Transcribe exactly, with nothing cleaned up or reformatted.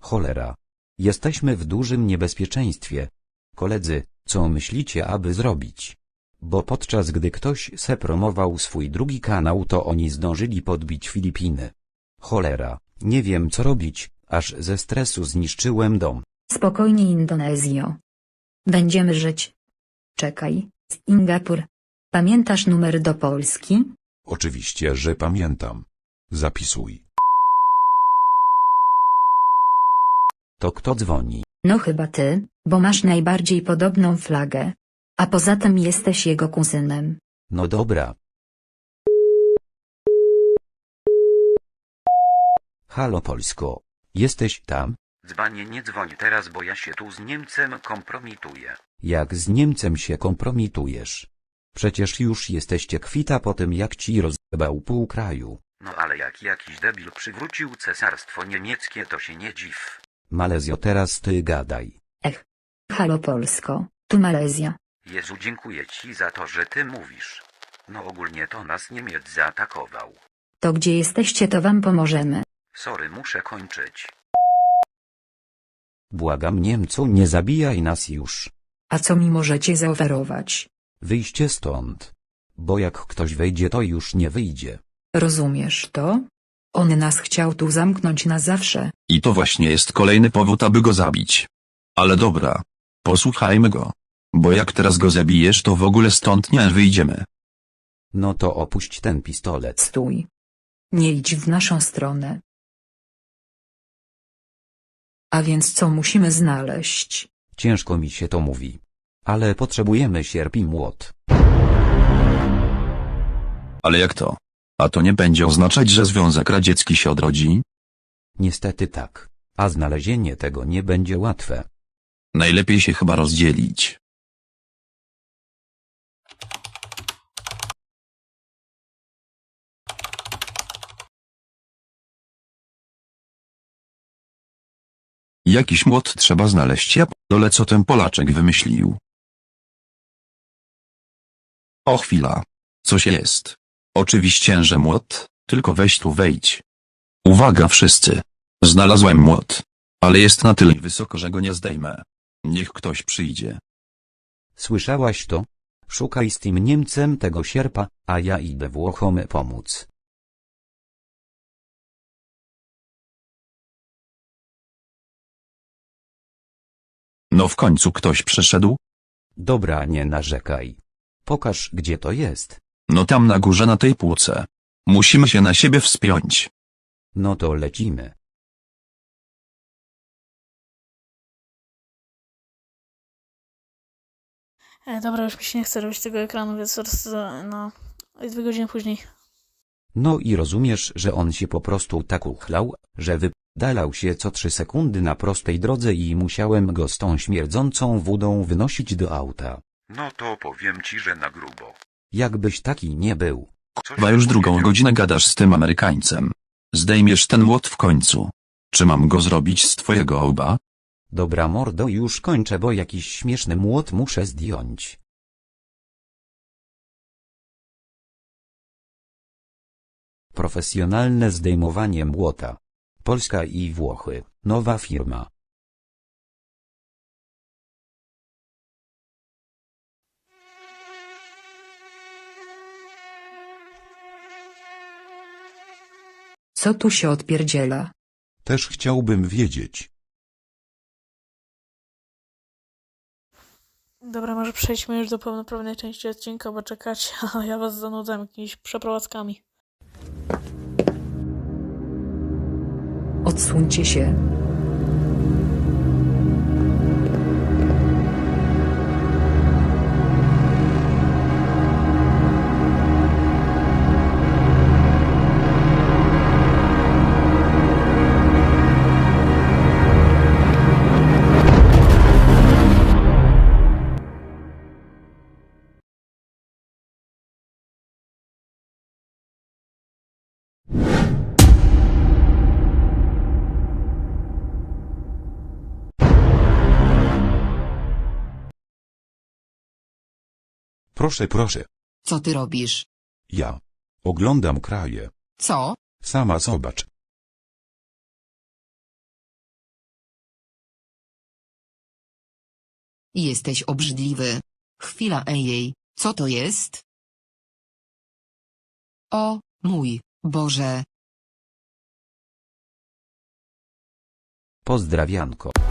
Cholera. Jesteśmy w dużym niebezpieczeństwie. Koledzy, co myślicie, aby zrobić? Bo podczas gdy ktoś se promował swój drugi kanał, to oni zdążyli podbić Filipiny. Cholera, nie wiem co robić, aż ze stresu zniszczyłem dom. Spokojnie, Indonezjo. Będziemy żyć. Czekaj, Singapur. Pamiętasz numer do Polski? Oczywiście, że pamiętam. Zapisuj. To kto dzwoni? No chyba ty, bo masz najbardziej podobną flagę. A poza tym jesteś jego kuzynem. No dobra. Halo Polsko. Jesteś tam? Dzbanie, nie dzwoń teraz, bo ja się tu z Niemcem kompromituję. Jak z Niemcem się kompromitujesz? Przecież już jesteście kwita po tym, jak ci rozjebał pół kraju. No ale jak jakiś debil przywrócił cesarstwo niemieckie, to się nie dziw. Malezjo, teraz ty gadaj. Ech. Halo Polsko, tu Malezja. Jezu, dziękuję ci za to, że ty mówisz. No ogólnie to nas Niemiec zaatakował. To gdzie jesteście, to wam pomożemy. Sorry, muszę kończyć. Błagam Niemcu, nie zabijaj nas już. A co mi możecie zaoferować? Wyjście stąd. Bo jak ktoś wejdzie, to już nie wyjdzie. Rozumiesz to? On nas chciał tu zamknąć na zawsze. I to właśnie jest kolejny powód, aby go zabić. Ale dobra. Posłuchajmy go. Bo jak teraz go zabijesz, to w ogóle stąd nie wyjdziemy. No to opuść ten pistolet. Stój. Nie idź w naszą stronę. A więc co musimy znaleźć? Ciężko mi się to mówi. Ale potrzebujemy sierp i młot. Ale jak to? A to nie będzie oznaczać, że Związek Radziecki się odrodzi? Niestety tak. A znalezienie tego nie będzie łatwe. Najlepiej się chyba rozdzielić. Jakiś młot trzeba znaleźć, ja dole co ten Polaczek wymyślił. O chwila. Coś jest. Oczywiście, że młot, tylko weź tu wejdź. Uwaga wszyscy. Znalazłem młot. Ale jest na tyle wysoko, że go nie zdejmę. Niech ktoś przyjdzie. Słyszałaś to? Szukaj z tym Niemcem tego sierpa, a ja idę Włochom pomóc. No w końcu ktoś przyszedł? Dobra, nie narzekaj. Pokaż, gdzie to jest. No tam na górze na tej półce. Musimy się na siebie wspiąć. No to lecimy. E, dobra, już mi się nie chce robić tego ekranu, więc zaraz, e, no, dwie godziny później. No i rozumiesz, że on się po prostu tak uchlał, że wypdalał się co trzy sekundy na prostej drodze i musiałem go z tą śmierdzącą wódą wynosić do auta. No to powiem ci, że na grubo. Jakbyś taki nie był. Coś Chyba już ty drugą powiedział? godzinę gadasz z tym Amerykańcem. Zdejmiesz ten młot w końcu. Czy mam go zrobić z twojego łba? Dobra mordo, już kończę, bo jakiś śmieszny młot muszę zdjąć. Profesjonalne zdejmowanie młota. Polska i Włochy, nowa firma. Co tu się odpierdziela? Też chciałbym wiedzieć. Dobra, może przejdźmy już do pełnoprawnej części odcinka, bo czekać, a ja was zanudzam jakimiś przeprowadzkami. Odsuńcie się. Proszę, proszę. Co ty robisz? Ja. Oglądam kraje. Co? Sama zobacz. Jesteś obrzydliwy. Chwila, ejej, co to jest? O, mój Boże. Pozdrawianko.